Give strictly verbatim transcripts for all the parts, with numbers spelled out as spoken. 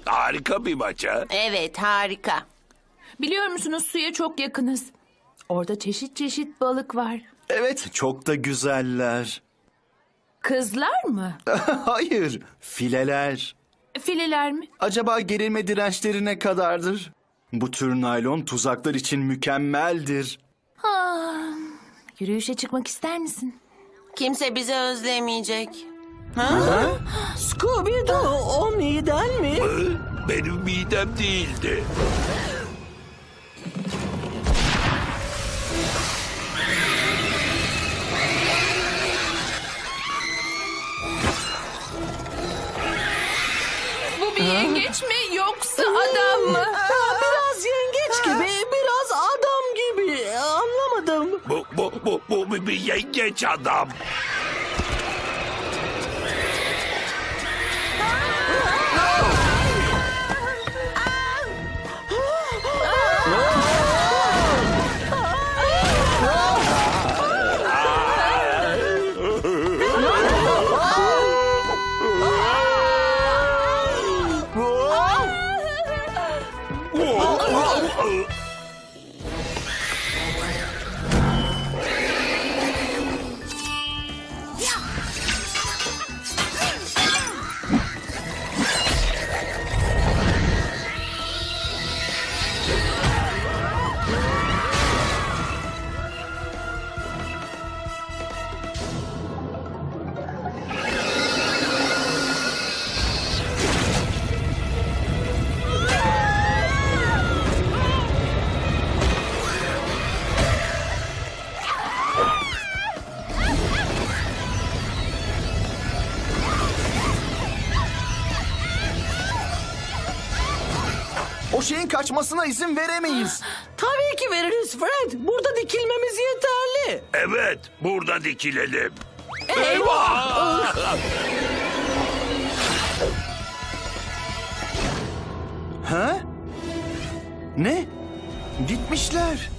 harika bir maç ha. Evet, harika. Biliyor musunuz, suya çok yakınız. Orada çeşit çeşit balık var. Evet, çok da güzeller. Kızlar mı? Hayır, fileler. Fileler mi? Acaba gerilme dirençleri ne kadardır? Bu tür naylon tuzaklar için mükemmeldir. Ah, yürüyüşe çıkmak ister misin? Kimse bizi özlemeyecek. Scooby-Doo, o miden mi? Benim midem değildi. Bu bir yengeç mi yoksa adam mı? Aa, biraz yengeç gibi, biraz adam gibi. Anlamadım. Bu, bu, bu, bu bir- bir yengeç adam. O şeyin kaçmasına izin veremeyiz. Tabii ki veririz Fred. Burada dikilmemiz yeterli. Evet, burada dikilelim. Eyvah! Ha? Ne? Gitmişler.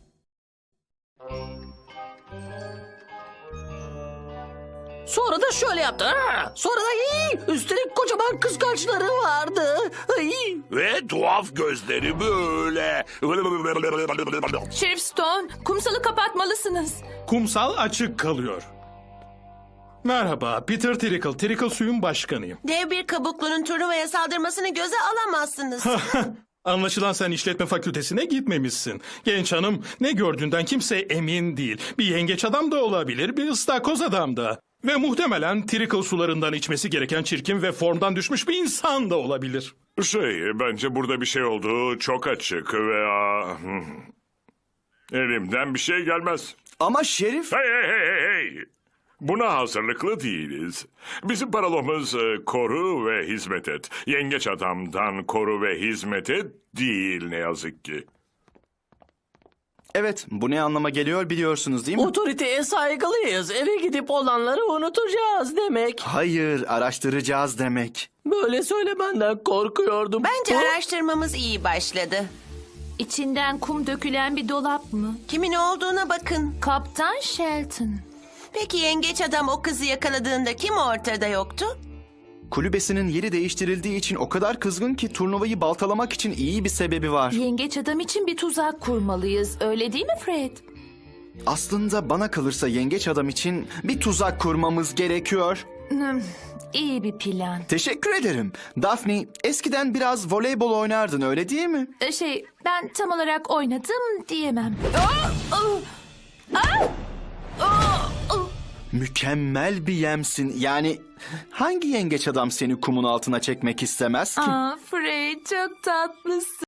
Sonra da şöyle yaptı. Aa! Sonra da iyi. Üstelik kocaman kıskaçları vardı. Ay! Ve tuhaf gözleri böyle. Şerif Stone, kumsalı kapatmalısınız. Kumsal açık kalıyor. Merhaba, Peter Trickle, Trickle suyun başkanıyım. Dev bir kabuklunun turnuvaya saldırmasını göze alamazsınız. Anlaşılan sen işletme fakültesine gitmemişsin. Genç hanım, ne gördüğünden kimse emin değil. Bir yengeç adam da olabilir, bir ıstakoz adam da. Ve muhtemelen Trickle sularından içmesi gereken çirkin ve formdan düşmüş bir insan da olabilir. Şey, bence burada bir şey olduğu çok açık ve... aa, hmm. Elimden bir şey gelmez. Ama Şerif... Hey hey hey hey hey! Buna hazırlıklı değiliz. Bizim paralomuz e, koru ve hizmet et. Yengeç adamdan koru ve hizmet et değil ne yazık ki. Evet, bu ne anlama geliyor biliyorsunuz değil mi? Otoriteye saygılıyız. Eve gidip olanları unutacağız demek. Hayır, araştıracağız demek. Böyle söylemenden korkuyordum. Bence Ha? araştırmamız iyi başladı. İçinden kum dökülen bir dolap mı? Kimin olduğuna bakın. Kaptan Shelton. Peki yengeç adam o kızı yakaladığında kim ortada yoktu? Kulübesinin yeri değiştirildiği için o kadar kızgın ki turnuvayı baltalamak için iyi bir sebebi var. Yengeç adam için bir tuzak kurmalıyız, öyle değil mi Fred? Aslında bana kalırsa yengeç adam için bir tuzak kurmamız gerekiyor. Hmm, iyi bir plan. Teşekkür ederim. Daphne, eskiden biraz voleybol oynardın öyle değil mi? Ee, Şey, ben tam olarak oynadım diyemem. Aa, aa, aa, aa, aa. Mükemmel bir yemsin. Yani hangi yengeç adam seni kumun altına çekmek istemez ki? Aa, Fred çok tatlısın.